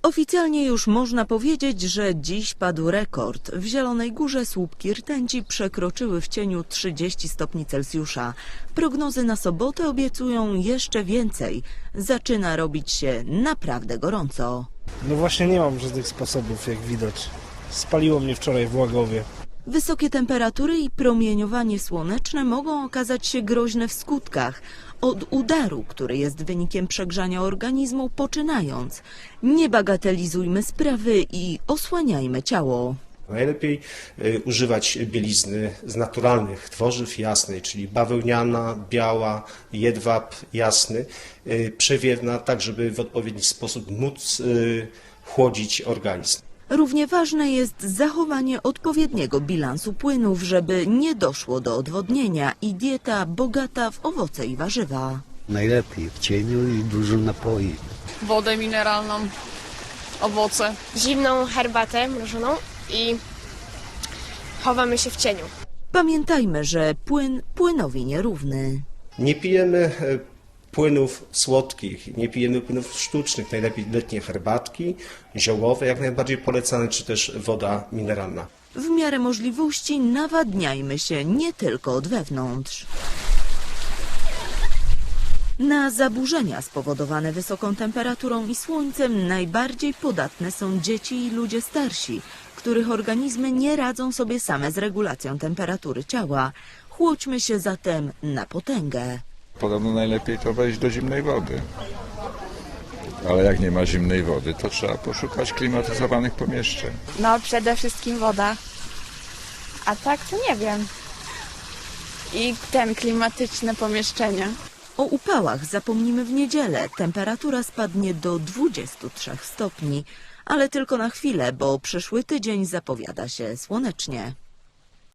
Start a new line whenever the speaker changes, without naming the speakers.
Oficjalnie już można powiedzieć, że dziś padł rekord. W Zielonej Górze słupki rtęci przekroczyły w cieniu 30 stopni Celsjusza. Prognozy na sobotę obiecują jeszcze więcej. Zaczyna robić się naprawdę gorąco.
No właśnie nie mam żadnych sposobów, jak widać. Spaliło mnie wczoraj w Łagowie.
Wysokie temperatury i promieniowanie słoneczne mogą okazać się groźne w skutkach. Od udaru, który jest wynikiem przegrzania organizmu, poczynając. Nie bagatelizujmy sprawy i osłaniajmy ciało.
Najlepiej używać bielizny z naturalnych tworzyw jasnej, czyli bawełniana, biała, jedwab jasny, przewiewna, tak żeby w odpowiedni sposób móc chłodzić organizm.
Równie ważne jest zachowanie odpowiedniego bilansu płynów, żeby nie doszło do odwodnienia i dieta bogata w owoce i warzywa.
Najlepiej w cieniu i dużo napoi.
Wodę mineralną, owoce.
Zimną herbatę mrożoną i chowamy się w cieniu.
Pamiętajmy, że płyn płynowi nierówny.
Nie pijemy płynów słodkich, nie pijemy płynów sztucznych, najlepiej letnie herbatki, ziołowe, jak najbardziej polecane, czy też woda mineralna.
W miarę możliwości nawadniajmy się nie tylko od wewnątrz. Na zaburzenia spowodowane wysoką temperaturą i słońcem najbardziej podatne są dzieci i ludzie starsi, których organizmy nie radzą sobie same z regulacją temperatury ciała. Chłodźmy się zatem na potęgę.
Podobno najlepiej to wejść do zimnej wody. Ale jak nie ma zimnej wody, to trzeba poszukać klimatyzowanych pomieszczeń.
No przede wszystkim woda. A tak to nie wiem. I klimatyczne pomieszczenia.
O upałach zapomnimy w niedzielę. Temperatura spadnie do 23 stopni, ale tylko na chwilę, bo przyszły tydzień zapowiada się słonecznie.